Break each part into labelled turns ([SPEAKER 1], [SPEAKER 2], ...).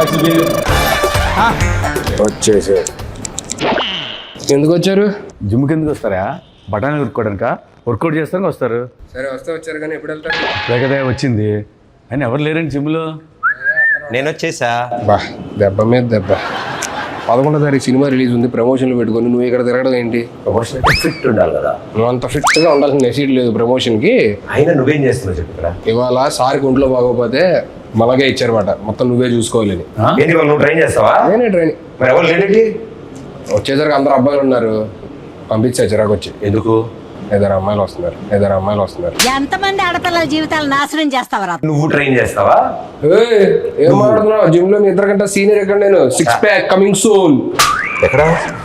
[SPEAKER 1] వచ్చేసి ఎందుకు వచ్చారు?
[SPEAKER 2] జిమ్కి ఎందుకు వస్తారా? బఠానీ ఉరుక్కోవడానిక? వర్కౌట్ చేస్తానికి వస్తారు.
[SPEAKER 1] సరే వస్తే వచ్చారు కానీ ఎప్పుడు వెళ్తారు?
[SPEAKER 2] లేకదే వచ్చింది అని ఎవరు లేరండి జిమ్లో.
[SPEAKER 3] నేను వచ్చేసా.
[SPEAKER 1] బా దెబ్బ మీద దెబ్బ. 11వ తారీఖు సినిమా రిలీజ్ ఉంది, ప్రమోషన్లు పెట్టుకొని నువ్వు ఇక్కడ తిరగడం ఏంటి?
[SPEAKER 3] ప్రమోషన్ ఫిట్ ఉండాలి కదా.
[SPEAKER 1] నువ్వు అంత ఫిట్గా ఉండాల్సిన నెసీడ్ లేదు ప్రమోషన్కి.
[SPEAKER 3] అయినా నువ్వేం చేస్తున్నావు చెప్పు ఇక్కడ.
[SPEAKER 1] ఇవాళ సార్కి ఒంట్లో బాగోపోతే మనకే ఇచ్చారన్నమాట, మొత్తం నువ్వే చూసుకోవాలని.
[SPEAKER 3] ఏంటి వాళ్ళు నువ్వు ట్రైన్ చేస్తావా?
[SPEAKER 1] నేనే ట్రైనింగ్.
[SPEAKER 3] మరి ఎవరు లేడేంటి?
[SPEAKER 1] వచ్చేసరికి అందరు అబ్బాయిలు ఉన్నారు, పంపించా చిరాకు వచ్చి.
[SPEAKER 3] ఎందుకు?
[SPEAKER 1] 5 అమ్మాయిలు వస్తున్నారు.
[SPEAKER 4] ఎంతమంది ఆడపిల్లల జీవితాలు నాశనం చేస్తావరా?
[SPEAKER 3] నువ్వు ట్రైన్ చేస్తావా?
[SPEAKER 1] ఏం మాట్లాడుతున్నావు? జిమ్ లో మీ ఇద్దరికంటే సీనియర్ ఎక్కడ? నేను 6 ప్యాక్ కమింగ్ సూన్.
[SPEAKER 3] ఎక్కడ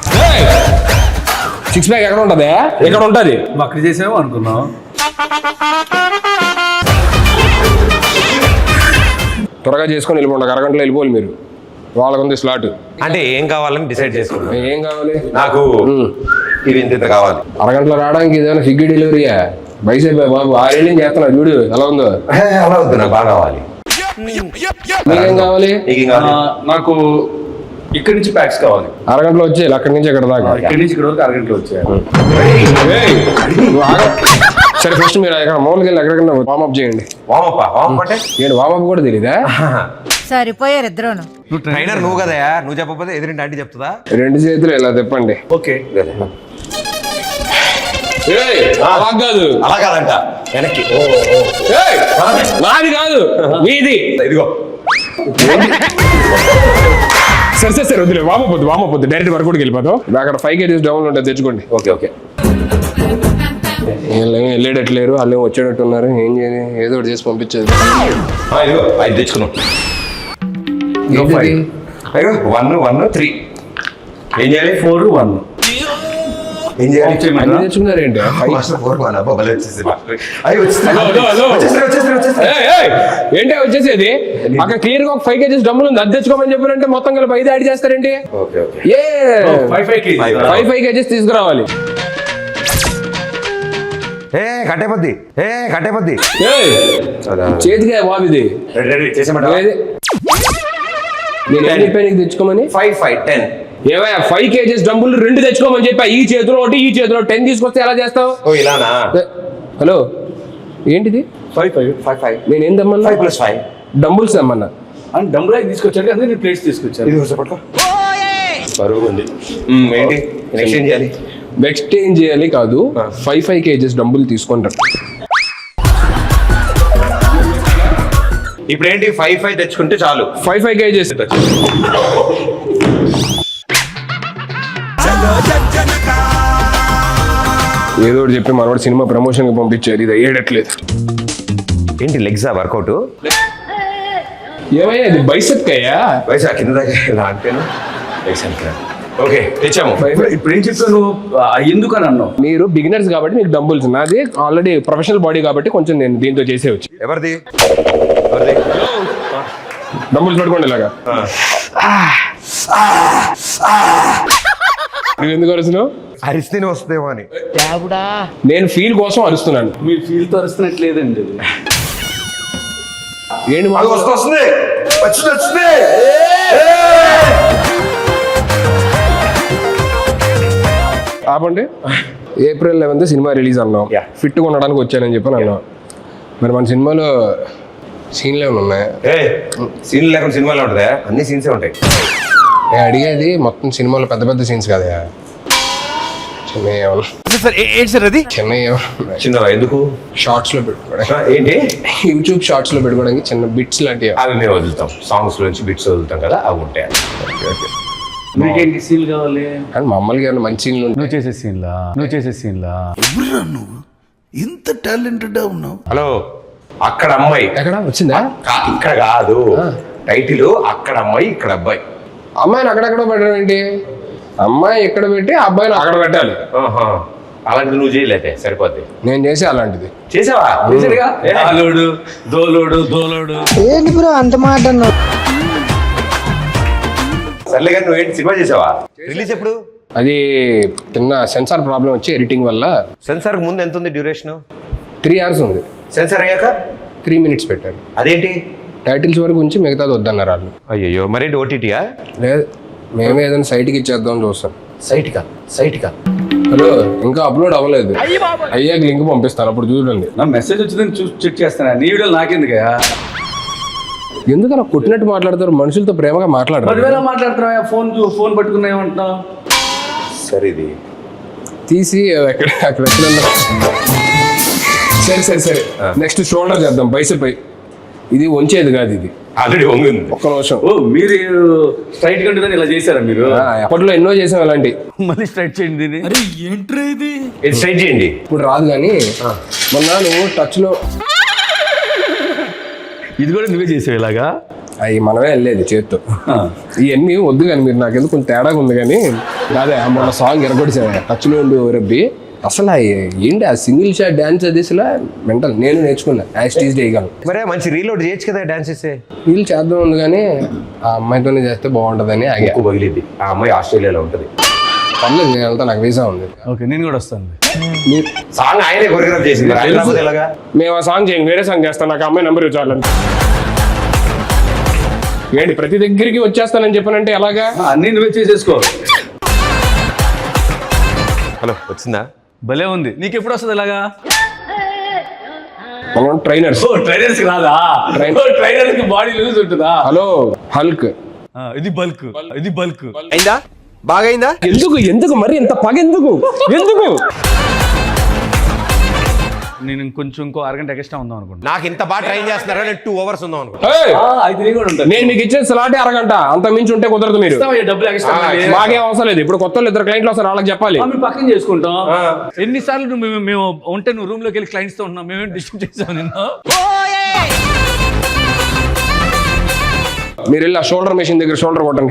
[SPEAKER 1] 6 ప్యాక్ ఎక్కడ ఉంటది? ఎక్కడ ఉంటది?
[SPEAKER 2] అక్కడ చేసామో అనుకున్నాం.
[SPEAKER 1] త్వరగా చేసుకొని వెళ్ళిపోండి, అరగంటలో వెళ్ళిపోవాలి మీరు. వాళ్ళకు ఉంది స్లాట్.
[SPEAKER 3] అంటే ఏం కావాలని డిసైడ్ చేసుకున్నా.
[SPEAKER 1] ఏం కావాలి?
[SPEAKER 3] నాకు ఇది ఇంత కావాలి.
[SPEAKER 1] అరగంటలో రావడానికి ఇదేమైనా స్విగ్గీ డెలివరీయా? బైసేపు బాబు 6 ఏళ్ళు చేస్తున్నా చూడు ఎలా ఉందో.
[SPEAKER 3] అలా వద్దు, నాకు బాగా కావాలి.
[SPEAKER 1] మీకేం కావాలి?
[SPEAKER 3] నీకేం కావాలి?
[SPEAKER 2] నాకు ఇక్కడి నుంచి ప్యాక్స్ కావాలి.
[SPEAKER 1] అరగంటలో వచ్చేయాలి, అక్కడి నుంచి ఇక్కడ దాకా.
[SPEAKER 2] ఇక్కడి నుంచి ఇక్కడ వరకు అరగంటలో వచ్చాయి.
[SPEAKER 1] సరే ఫస్ట్ మీరు ఎక్కడ మామూలుగా వెళ్ళి ఎక్కడికన్నా వామప్ చేయండి.
[SPEAKER 3] వామప్ అంటే
[SPEAKER 1] ఏంటి వామప్ కూడా తెలీదా?
[SPEAKER 4] సరిపోయారు ఇద్దరును.
[SPEAKER 3] ట్రైనర్ నువ్వు కదా, నువ్వు చెప్పకపోతే ఎదురింటి ఆంటీ చెప్తుందా?
[SPEAKER 1] 2 చేతులు ఇలా తిప్పండి.
[SPEAKER 3] ఓకే.
[SPEAKER 1] అలా కాదు,
[SPEAKER 3] అలా కాదంట, వెనక్కి.
[SPEAKER 1] నాది కాదు మీది.
[SPEAKER 3] ఇదిగో
[SPEAKER 1] సరే వద్దులే, వామపోద్దు డైరెక్ట్ వర్కౌట్కి వెళ్ళిపోతాం. అక్కడ 5 kgs డౌన్ ఉంటుంది, తెచ్చుకోండి.
[SPEAKER 3] ఓకే.
[SPEAKER 1] వెళ్ళేటట్లేరు, వాళ్ళు వచ్చేటట్టు ఉన్నారు. ఏం చేయాలి? ఏదో ఒకటి చేసి పంపించేది.
[SPEAKER 3] ఇదిగో 5 తెచ్చుకున్నాం. 1 3 ఏం చేయాలి? 4 1 ఏం చేయాలి?
[SPEAKER 1] అన్ని తెచ్చుకున్నారేంటి? ఏంటి వచ్చేసేది? అక్కడ క్లియర్ గా ఒక 5 kgs డబ్బులు ఉంది, అది తెచ్చుకోమని చెప్పారంటే మొత్తం కలిపి 5 యాడ్ చేస్తారేంటి? 5 kgs తీసుకురావాలి.
[SPEAKER 3] కట్టేపద్ది
[SPEAKER 1] చేతిగా బాబిది నేను తెచ్చుకోమని
[SPEAKER 3] 5 10
[SPEAKER 1] ఏవయ్యా 5 kgs డబ్బులు 2 తెచ్చుకోమని చెప్పా. ఈ చేతిలో ఒకటి, ఈ చేతిలో 10 తీసుకొస్తే ఎలా చేస్తావు?
[SPEAKER 3] ఇలానా?
[SPEAKER 1] హలో ఏంటిది?
[SPEAKER 3] 5
[SPEAKER 1] నేనేం తెమ్మన్నా?
[SPEAKER 3] 5 + 5
[SPEAKER 1] డంబుల్స్ తెమ్మన్నా.
[SPEAKER 2] డబ్బులు తీసుకొచ్చాడు కదా, నేను ప్లేట్స్ తీసుకొచ్చాను.
[SPEAKER 3] ఇది పట్టుకో. బరువు ఉంది. ఏంటి ఎక్స్చేంజ్ చేయాలి?
[SPEAKER 1] ఎక్స్చేంజ్ చేయాలి కాదు, 5 kgs డబ్బులు తీసుకుంటారు.
[SPEAKER 3] ఇప్పుడు ఏంటి 5 తెచ్చుకుంటే చాలు.
[SPEAKER 1] 5 kgs ఏదో ఒకటి చెప్పి మనవాడు సినిమా ప్రమోషన్ కి పంపించారు. ఇది అయ్యేటట్లేదు.
[SPEAKER 3] ఏంటి లెగ్సా వర్కౌట్?
[SPEAKER 1] ఏమయ్యా ఇది బైసెప్ అయ్యా?
[SPEAKER 3] వయసు కింద దాకా అంటేను. ఓకే తెచ్చాము.
[SPEAKER 2] ఇప్పుడు ఏం చెప్పాను? ఎందుకు అని అన్నావు?
[SPEAKER 1] మీరు బిగినర్స్ కాబట్టి మీకు డంబుల్స్, నాది ఆల్రెడీ ప్రొఫెషనల్ బాడీ కాబట్టి కొంచెం నేను దీంతో చేసేవచ్చు.
[SPEAKER 3] ఎవరిది?
[SPEAKER 1] డంబుల్స్ పట్టుకోండి ఇలాగా. నువ్వు ఎందుకు అరుస్తున్నావు?
[SPEAKER 3] అరిస్తేనే వస్తుందేమో అని.
[SPEAKER 1] నేను ఫీల్ కోసం అరుస్తున్నాను.
[SPEAKER 2] మీరు ఫీల్ తో అరుస్తున్నట్లేదండి.
[SPEAKER 1] ఏంటి
[SPEAKER 3] వస్తుంది.
[SPEAKER 1] ఆపండి. April 11th సినిమా రిలీజ్ అన్నాం. ఫిట్గా ఉండడానికి వచ్చానని చెప్పి అన్నాం. మరి మన సినిమాలో సీన్లు ఏమైనా ఉన్నాయా?
[SPEAKER 3] సీన్లు లేకుండా సినిమాలో ఉంటుందా? అన్ని సీన్సే ఉంటాయి.
[SPEAKER 1] నేను అడిగేది మొత్తం సినిమాలో పెద్ద సీన్స్ కదా,
[SPEAKER 3] చిన్న ఎందుకు
[SPEAKER 1] షార్ట్స్ లో పెట్టుకోవడానికి,
[SPEAKER 3] ఏంటి
[SPEAKER 1] యూట్యూబ్ షార్ట్స్ లో పెట్టుకోవడానికి చిన్న బిట్స్ లాంటివి
[SPEAKER 3] అవి మేము వదులుతాం. సాంగ్స్ నుంచి బిట్స్ వదులుతాం కదా, అవి ఉంటాయి.
[SPEAKER 2] మీకేంటి సీన్ కావాలి?
[SPEAKER 1] కానీ మమ్మల్ని ఏమైనా మంచి సీన్లు
[SPEAKER 2] నువ్వు చేసే సీన్లా
[SPEAKER 5] నువ్వు ఇంత టాలెంటెడ్ ఉన్నావు.
[SPEAKER 3] హలో, అక్కడ అమ్మాయి
[SPEAKER 1] ఎక్కడ వచ్చిందా?
[SPEAKER 3] ఇక్కడ కాదు, టైటిల్ అక్కడ అమ్మాయి ఇక్కడ అబ్బాయి.
[SPEAKER 1] అమ్మాయిని అక్కడెక్కడ పెట్టడం ఏంటి? అమ్మాయి ఇక్కడ పెట్టి అబ్బాయిని అక్కడ పెట్టాలి.
[SPEAKER 3] అలాంటిది నువ్వు చేయలేదే సరిపోద్ది.
[SPEAKER 1] నేను చేసి అలాంటిది
[SPEAKER 3] చేసావా?
[SPEAKER 2] దోలోడు
[SPEAKER 4] ఏంటి బ్రో అంత మాట అన్నావు?
[SPEAKER 3] సర్లే కానీ నువ్వేంటి సినిమా చేసావా? రిలీజ్ ఎప్పుడు?
[SPEAKER 1] అది చిన్న సెన్సార్ ప్రాబ్లం వచ్చి ఎడిటింగ్ వల్ల.
[SPEAKER 3] సెన్సార్ ముందు ఎంత ఉంది డ్యూరేషన్?
[SPEAKER 1] 3 hours ఉంది.
[SPEAKER 3] సెన్సార్ అయ్యాక
[SPEAKER 1] 3 minutes పెట్టారు.
[SPEAKER 3] అదేంటి
[SPEAKER 1] టైటిల్స్ వరకు ఉంచి మిగతాది వద్దన్నారు వాళ్ళు.
[SPEAKER 3] అయ్యో మరేంటి ఓటీటీయా?
[SPEAKER 1] లేదు, మేమే ఏదైనా సైట్కి ఇచ్చేద్దాం చూస్తాం.
[SPEAKER 3] సైట్కా
[SPEAKER 1] హలో, ఇంకా అప్లోడ్ అవ్వలేదు. అయ్యాక లింక్ పంపిస్తాను, అప్పుడు చూడండి.
[SPEAKER 2] నా మెసేజ్ వచ్చిందని చెక్ చేస్తానా? నీ వీడియో నాకెందుకయ్యా?
[SPEAKER 1] ఎందుకు అలా కొట్టినట్టు మాట్లాడతారు? మనుషులతో ప్రేమగా మాట్లాడరు.
[SPEAKER 2] పదివేల మాట్లాడుతున్నావా? ఫోన్ పట్టుకున్నా ఏమంటున్నావు?
[SPEAKER 3] సరే ఇది
[SPEAKER 1] తీసి అక్కడ ఎక్కడన్నా. సరే నెక్స్ట్ షోల్డర్ చేద్దాం, బైసెప్. ఇది వంచేది కాదు, ఇది
[SPEAKER 3] ఆల్రెడీ వంగింది.
[SPEAKER 1] ఒక్క నిమిషం.
[SPEAKER 2] ఓ మీరు స్ట్రైట్ గా ఉంటుందని ఇలా చేశారా మీరు?
[SPEAKER 1] అప్పట్లో ఎన్నో చేసాం అలాంటి.
[SPEAKER 2] మళ్ళీ స్ట్రైట్ చేయండి దీన్ని.
[SPEAKER 3] ఇది స్ట్రైట్ చేయండి.
[SPEAKER 1] ఇప్పుడు రాదు కానీ మొన్న నువ్వు టచ్ లో
[SPEAKER 2] ఇది కూడా నువ్వే చేసావు ఇలాగా?
[SPEAKER 1] అవి మనమే వెళ్ళేది చేత్తో. ఇవన్నీ వద్దు కానీ మీరు నాకెందుకు కొంచెం తేడాగా ఉంది కానీ. అదే మొన్న సాంగ్ ఎరగొడిసా టచ్ లో ఉండి రబ్బి. అసలు ఏంటి ఆ సింగిల్ షాట్ డాన్స్ అది అసలు మెంటల్. నేను నేర్చుకున్నా యాక్టీజ్ చేయగలను.
[SPEAKER 3] మరే మంచి రీలోడ్ చేయొచ్చు కదా డాన్స్ చేస్తే.
[SPEAKER 1] వీళ్ళు చేద్దాం ఉంది కానీ ఆ అమ్మాయితోనే చేస్తే బాగుంటుందని ఆగా.
[SPEAKER 3] ఎక్కువ పగిలిద్ది. ఆ అమ్మాయి ఆస్ట్రేలియాలో ఉంటుంది.
[SPEAKER 1] పర్లేదు, నేను వెళ్తా, నాకు వీసా ఉంది.
[SPEAKER 2] ఓకే, నేను కూడా వస్తాను.
[SPEAKER 3] సాంగ్ ఆయనే కొరియోగ్రాఫ్ చేసింది. ఎలాగా
[SPEAKER 1] మేము ఆ సాంగ్ చేయం, వేరే సాంగ్ చేస్తాను. నాకు అమ్మాయి నెంబర్ ఇవ్వాలని. ఏంటి ప్రతి దగ్గరికి వచ్చేస్తానని చెప్పానంటే ఎలాగా?
[SPEAKER 2] అన్నీ నువ్వే చేసేసుకో.
[SPEAKER 3] హలో, వచ్చిందా?
[SPEAKER 2] భలే ఉంది. నీకు ఎప్పుడు వస్తుంది ఇలాగా?
[SPEAKER 1] మనం ట్రైనర్స్.
[SPEAKER 2] ట్రైనర్స్ రాదా? ట్రైనర్స్ కి బాడీ లూజ్ ఉంటుందా?
[SPEAKER 1] Hello, hulk.
[SPEAKER 2] ఇది బల్క్.
[SPEAKER 3] అయిందా? బాగా అయిందా?
[SPEAKER 1] ఎందుకు మరి ఇంత పగ ఎందుకు?
[SPEAKER 2] నేను ఇంకో అరగంట ఎక్స్ట్రా ఉందాం అనుకుంటా.
[SPEAKER 3] నాకు ఇంత బాగా ట్రైన్ చేస్తున్నారా? నేను 2 hours ఉందాం అనుకుంటా.
[SPEAKER 2] అయితే నేను కూడా ఉంటాను.
[SPEAKER 1] నేను మీకు ఇచ్చే స్లాటే అరగంట, అంత మించి ఉంటే కుదరదు. మీరు
[SPEAKER 2] డబ్బులు ఎక్స్ట్రా
[SPEAKER 1] మాకేం అవసరం లేదు. ఇప్పుడు కొత్త 2 క్లయింట్లు వస్తారు, వాళ్ళకి చెప్పాలి.
[SPEAKER 2] మేము పక్కన చేసుకుంటాం. ఎన్నిసార్లు మేము ఉంటే నువ్వు రూమ్ లోకి వెళ్ళి క్లయింట్స్ తో ఉంటున్నాం. మేమేం డిస్టర్బ్ చేసాం నిన్ను?
[SPEAKER 1] మీరు వెళ్ళి ఆ షోల్డర్ మెషిన్ దగ్గర షోల్డర్ కొట్టండి.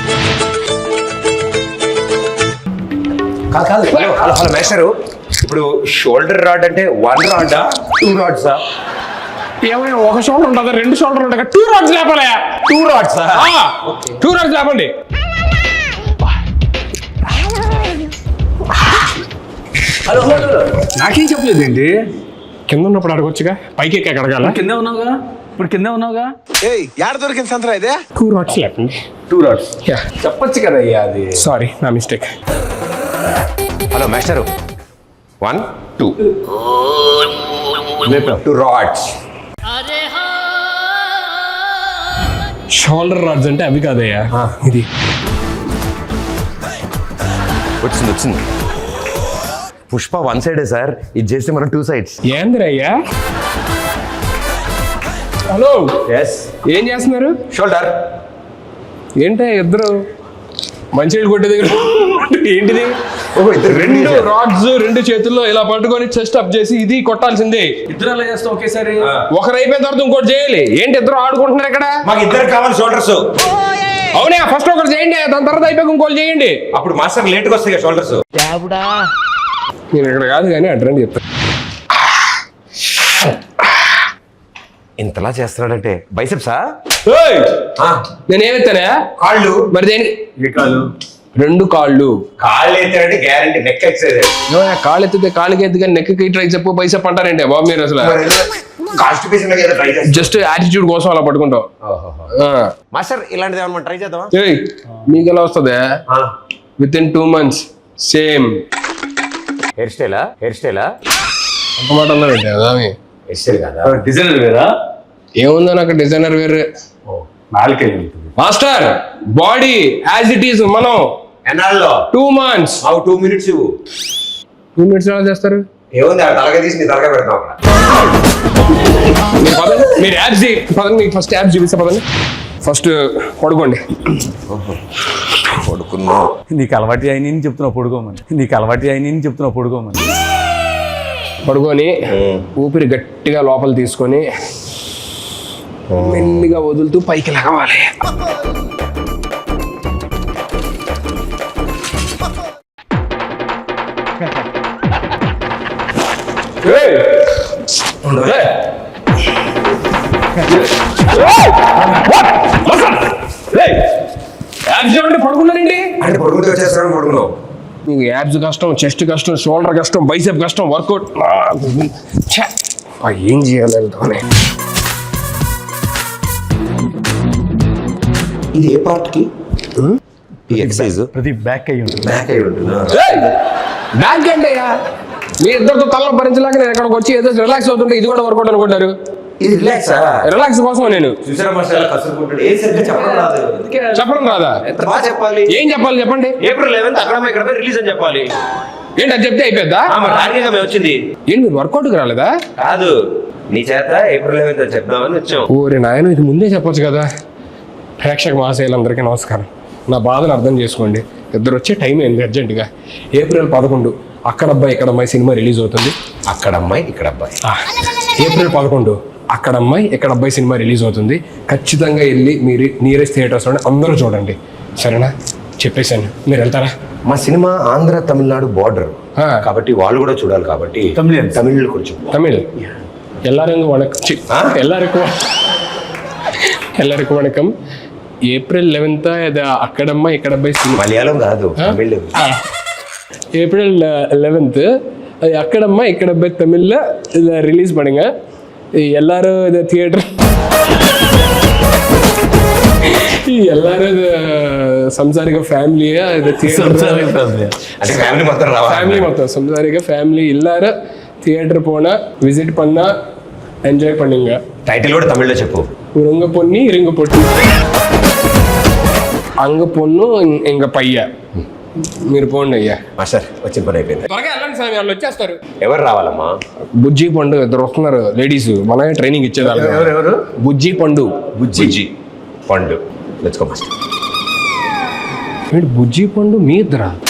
[SPEAKER 3] కాదు హలో మేస్టరు, ఇప్పుడు షోల్డర్ రాడ్ అంటే 1 రాడా 2 రాడ్సా?
[SPEAKER 1] ఏమైనా ఒక షోల్డర్ ఉంటుందా? 2 షోల్డర్ ఉంటాయి. 2 రాడ్స్ లేపాలి.
[SPEAKER 3] 2 రాడ్సా?
[SPEAKER 1] 2 రాడ్స్ లేపండి.
[SPEAKER 2] హలో నాకేం చెప్పలేదు ఏంటి?
[SPEAKER 1] కింద ఉన్నప్పుడు అడగొచ్చుగా, పైకి ఎక్కి అడగాల.
[SPEAKER 2] కింద ఉన్నావుగా, ఇప్పుడు కింద ఉన్నావుగా.
[SPEAKER 5] యాడ దొరికింది సంతరా ఇదే?
[SPEAKER 1] 2 రాడ్స్ లేపండి.
[SPEAKER 2] 2 రాడ్స్ చెప్పొచ్చు కదా అయ్యా. అది
[SPEAKER 1] సారీ, నా mistake.
[SPEAKER 3] Hello master, 1 2 2 rods.
[SPEAKER 1] Shoulder rods అంటే అవి కాదయ్యా, ఇది.
[SPEAKER 3] వచ్చింది. పుష్ప 1 సైడే సార్, ఇది చేస్తే మనం 2 sides.
[SPEAKER 1] ఏందిరయ్యా? హలో, ఏం చేస్తున్నారు?
[SPEAKER 3] షోల్డర్
[SPEAKER 1] ఏంటో ఇద్దరు మంచినీళ్ళు కొట్టే దగ్గర ఏంటిది?
[SPEAKER 3] ఓహో, ఇద్దరు
[SPEAKER 1] 2 రాడ్స్ 2 చేతుల్లో ఇలా పట్టుకొని చెస్ట్ అప్ చేసి ఇది కొట్టాల్సిందే.
[SPEAKER 2] ఇద్దరు అలా చేస్తాం ఒకేసారి.
[SPEAKER 1] ఒకరు అయిపోయిన తర్వాత ఇంకోటి చేయాలి. ఏంటి ఇద్దరు ఆడుకుంటున్నారు ఇక్కడ?
[SPEAKER 3] మాకు ఇద్దరు కావాలి షోల్డర్స్.
[SPEAKER 1] అవునా, ఫస్ట్ ఒకటి చేయండి, దాని తర్వాత అయిపోయి ఇంకోటి చేయండి.
[SPEAKER 3] అప్పుడు మాస్టర్ లేట్గా వస్తాయి షోల్డర్స్.
[SPEAKER 1] నేను ఇక్కడ కాదు కానీ అడ్రండి చెప్తాను.
[SPEAKER 3] ఇంతలా చేస్తున్నాడంటే బైసెప్సా?
[SPEAKER 1] నేనేమెత్తానా?
[SPEAKER 3] కాళ్ళు.
[SPEAKER 1] మరి దేనికి? 2 కాళ్ళు.
[SPEAKER 3] కాళ్ళు ఎత్తాడంటే గ్యారంటీ నెక్ ఎక్సైజ్.
[SPEAKER 1] కాళ్ళు ఎత్తితే కాళ్ళకి ఎత్తి కానీ నెక్కి ట్రై చెప్పు బైసెప్ అంటారంటే బాబు మీరు అసలు. జస్ట్ యాటిట్యూడ్ కోసం అలా పట్టుకుంటాం.
[SPEAKER 3] మాస్టర్ ఇలాంటిది ఏమన్నా ట్రై చేద్దామా?
[SPEAKER 1] మీకు ఎలా వస్తుంది? With in 2 months same
[SPEAKER 3] hair స్టైలా?
[SPEAKER 1] ఒక మాట అన్నారంటే
[SPEAKER 3] హెయిర్ స్టైల్ కదా,
[SPEAKER 2] డిజైనర్ వేరా?
[SPEAKER 1] ఏముందో నాకు డిజైనర్ వేరే.
[SPEAKER 2] నాలుకే
[SPEAKER 1] master body as it is. మనం
[SPEAKER 3] ఎన్నాళ్ళలో?
[SPEAKER 1] 2 months.
[SPEAKER 3] 2 minutes ఇవ్వు.
[SPEAKER 1] 2 minutes ఎలా చేస్తారు?
[SPEAKER 3] ఏముంది, ఆ తలగా తీసి నీ తలగా పెడతాం అక్కడ.
[SPEAKER 1] మీరు యాప్స్ పదండి, ఫస్ట్ యాప్స్ చూపిస్తా పదండి. ఫస్ట్ పడుకోండి.
[SPEAKER 3] పడుకున్నా.
[SPEAKER 2] నీకు అలవాటు అయిన చెప్తున్నావు పడుకోమని.
[SPEAKER 1] పడుకొని ఊపిరి గట్టిగా లోపల తీసుకొని మెల్లిగా వదులుతూ పైకి లగవాలి. పడుకున్నారండి
[SPEAKER 3] అంటే పడుకుంటే వచ్చేస్తాను. పడుకున్నావు.
[SPEAKER 1] మీకు యాబ్స్ కష్టం, చెస్ట్ కష్టం, షోల్డర్ కష్టం, బైసెప్ కష్టం, వర్కౌట్ ఏం చేయాలి?
[SPEAKER 3] ఇది ఏ పార్ట్ కి ఈ ఎక్సర్సైజ్
[SPEAKER 2] ప్రతి బ్యాక్ అయ్యి ఉంటుంది.
[SPEAKER 3] బ్యాక్ అయి ఉంటుందా?
[SPEAKER 1] బ్యాంక్ ఏంటయ్యా మీ ఇద్దరితో తలలో భరించలేక నేను ఎక్కడికి వచ్చి ఏదో రిలాక్స్ అవుతుంటే ఇది కూడా వర్కౌట్ అనుకుంటారు.
[SPEAKER 3] ఇది రిలాక్సా?
[SPEAKER 1] రిలాక్స్ కోసం నేను
[SPEAKER 3] చూసారా మాస్టర్ ఎలా కసురుకుంటాడు? ఏం సరిగ్గా చెప్పడం రాదు. అందుకే
[SPEAKER 1] చెప్పడం రాదా?
[SPEAKER 3] ఎంత బాగా చెప్పాలి.
[SPEAKER 1] ఏం చెప్పాలి చెప్పండి.
[SPEAKER 3] ఏప్రిల్ 11th అక్కడ ఇక్కడ రిలీజ్ అని చెప్పాలి.
[SPEAKER 1] ఏంటి అది చెప్తే అయిపోద్దా?
[SPEAKER 3] మరి టార్గెట్ మేము వచ్చింది
[SPEAKER 1] ఏంటి మీరు వర్కౌట్కి రాలేదా?
[SPEAKER 3] కాదు, నీ చేత ఏప్రిల్ 11th అని చెప్దామని వచ్చాం.
[SPEAKER 1] ఓరే నాయన ఇది ముందే చెప్పొచ్చు కదా. ప్రేక్షక మహాశయులందరికీ నమస్కారం. నా బాధను అర్థం చేసుకోండి. ఇద్దరు వచ్చే టైం అయింది అర్జెంటుగా. ఏప్రిల్ 11 అక్కడ అబ్బాయి ఇక్కడ అమ్మాయి సినిమా రిలీజ్ అవుతుంది.
[SPEAKER 3] అక్కడ అమ్మాయి ఇక్కడ అబ్బాయి.
[SPEAKER 1] ఏప్రిల్ 11 అక్కడ అమ్మాయి ఇక్కడ అబ్బాయి సినిమా రిలీజ్ అవుతుంది. ఖచ్చితంగా వెళ్ళి మీరు నియరెస్ట్ థియేటర్స్లోనే అందరూ చూడండి, సరేనా? చెప్పేశాను, మీరు వెళ్తారా?
[SPEAKER 3] మా సినిమా ఆంధ్ర తమిళనాడు బార్డర్
[SPEAKER 1] ఆ.
[SPEAKER 3] కాబట్టి వాళ్ళు కూడా చూడాలి కాబట్టి తమిళ్ కొంచెం
[SPEAKER 1] தமிழ் எல்லாருக்கும் வணக்கம். எல்லாருக்கும் வணக்கம். ఏప్రిల్ 11 అది అక్కడమ్మ ఇక్కడ అబ్బాయి సినిమా.
[SPEAKER 3] మలయాళం కాదు, తమిళ్.
[SPEAKER 1] ஏப்ரல் 11 அது அக்கடம்மா இக்கடப்பை தமிழில் இதை ரிலீஸ் பண்ணுங்க. எல்லாரும் இதை தியேட்டர் எல்லாரும் இது సంసారిక ఫ్యామిలీగా ఇది
[SPEAKER 3] అంటే ఫ్యామిలీ మొత్తం రావాలి.
[SPEAKER 1] ఫ్యామిలీ మొత్తం సంసారిక ఫ్యామిలీ எல்லாரும் தியேட்டர் போனா விசிட் பண்ணா ఎంజాయ్ பண்ணுங்க.
[SPEAKER 3] టైటిల్ కూడా తమిళ్లో చెప్పు.
[SPEAKER 1] உருங்க பொண்ணி இருங்க பொண்ணு అంగ పొన్ను ఇంక పయ్య. మీరు పోండి అయ్యా.
[SPEAKER 3] మాస్టర్ వచ్చిన పని అయిపోయింది.
[SPEAKER 1] త్వరగా వెళ్ళండి స్వామి, వాళ్ళు వచ్చేస్తారు.
[SPEAKER 3] ఎవరు రావాలమ్మా?
[SPEAKER 1] బుజ్జి పండు ఇద్దరు వస్తున్నారు లేడీస్, మనమే ట్రైనింగ్ ఇచ్చేదాన్ని.
[SPEAKER 2] ఎవరు?
[SPEAKER 1] బుజ్జి పండు.
[SPEAKER 3] బుజ్జి పండు. Let's go master.
[SPEAKER 1] బుజ్జి పండు మీ ఇద్దరా?